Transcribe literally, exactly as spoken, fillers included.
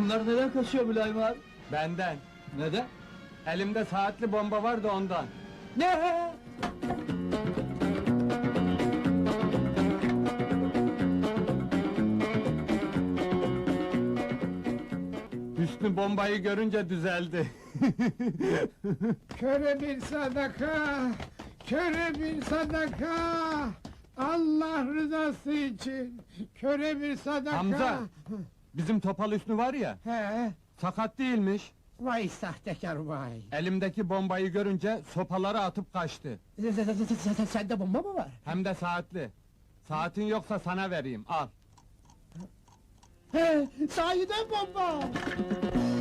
Bunlar neden kaçıyor Mülayim abi? Benden. Neden? Elimde saatli bomba var da ondan. Ne? Hüsnü bombayı görünce düzeldi. Köre bir sadaka, köre bir sadaka. Allah rızası için, köre bir sadaka. Hamza! Bizim Topal Hüsnü var ya, He, sakat değilmiş. vay sahtekar vay. Elimdeki bombayı görünce sopaları atıp kaçtı. Sende bomba mı var? Hem de saatli. Saatin yoksa sana vereyim, al. He, sahiden bomba.